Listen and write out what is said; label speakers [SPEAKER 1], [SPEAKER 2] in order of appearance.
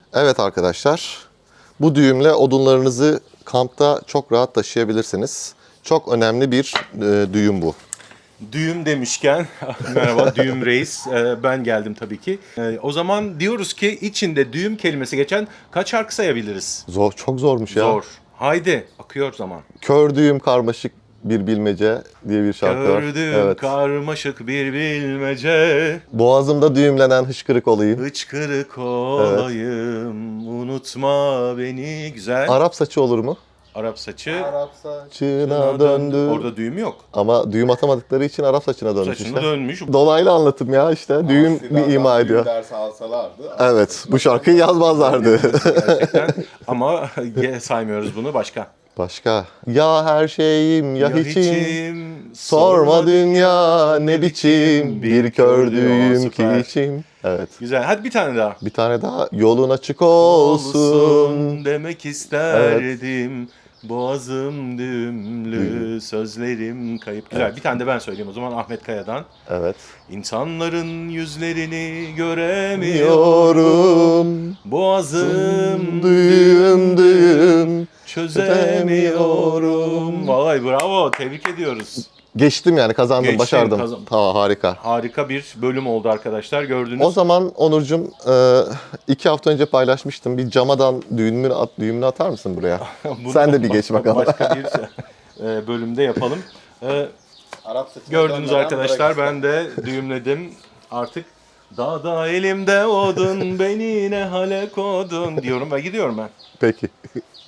[SPEAKER 1] Evet arkadaşlar, bu düğümle odunlarınızı kampta çok rahat taşıyabilirsiniz. Çok önemli bir düğüm bu.
[SPEAKER 2] Düğüm demişken, merhaba Düğüm Reis, ben geldim tabii ki. O zaman diyoruz ki içinde düğüm kelimesi geçen kaç şarkı sayabiliriz?
[SPEAKER 1] Zor, çok zormuş ya.
[SPEAKER 2] Zor. Haydi, akıyor zaman.
[SPEAKER 1] Kör düğüm karmaşık bir bilmece diye bir şarkı var.
[SPEAKER 2] Gördüm
[SPEAKER 1] Evet.
[SPEAKER 2] karmaşık bir bilmece,
[SPEAKER 1] Boğazımda düğümlenen hıçkırık olayım.
[SPEAKER 2] hıçkırık olayım, unutma beni. Güzel.
[SPEAKER 1] Arap saçı olur mu?
[SPEAKER 2] Arap saçı.
[SPEAKER 1] Çığına döndü.
[SPEAKER 2] Orada düğüm yok.
[SPEAKER 1] Ama düğüm atamadıkları için Arap saçına dönmüş
[SPEAKER 2] Saçını
[SPEAKER 1] işte.
[SPEAKER 2] dönmüş.
[SPEAKER 1] Dolaylı anlatım ya işte. Düğüm bir ima ediyor.
[SPEAKER 3] Ders alsalardı.
[SPEAKER 1] Evet, bu şarkıyı yazmazlardı.
[SPEAKER 2] Gerçekten. Ama saymıyoruz bunu. Başka.
[SPEAKER 1] Başka? Ya her şeyim ya hiçim.
[SPEAKER 2] hiçim,
[SPEAKER 1] Sorma dünya ne biçim bir kör düğüm ki
[SPEAKER 2] Süper.
[SPEAKER 1] içim. Evet.
[SPEAKER 2] Güzel. Hadi bir tane daha.
[SPEAKER 1] Bir tane daha yolun açık olsun.
[SPEAKER 2] Demek isterdim. Boğazım düğümlü, sözlerim kayıp. Güzel. Bir tane de ben söyleyeyim o zaman Ahmet Kaya'dan.
[SPEAKER 1] Evet.
[SPEAKER 2] İnsanların yüzlerini göremiyorum.
[SPEAKER 1] Diyorum.
[SPEAKER 2] Boğazım
[SPEAKER 1] Düğüm düğüm.
[SPEAKER 2] çözemiyorum. Vay bravo. Tebrik ediyoruz.
[SPEAKER 1] Geçtim yani kazandım,
[SPEAKER 2] Geçtin,
[SPEAKER 1] başardım. Tamam, harika.
[SPEAKER 2] Harika bir bölüm oldu arkadaşlar. Gördünüz.
[SPEAKER 1] O zaman Onurcuğum 2 hafta önce paylaşmıştım. Bir camadan düğümünü atar mısın buraya?
[SPEAKER 2] Bunu
[SPEAKER 1] Sen de bir geç bakalım.
[SPEAKER 2] Başka bir bölümde yapalım.
[SPEAKER 3] Arap saçına
[SPEAKER 2] Gördünüz
[SPEAKER 3] dönmeden
[SPEAKER 2] arkadaşlar,
[SPEAKER 3] bırak
[SPEAKER 2] ben de düğümledim. Artık dağda elimde odun, beni ne hale kodun diyorum ve gidiyorum ben.
[SPEAKER 1] Peki.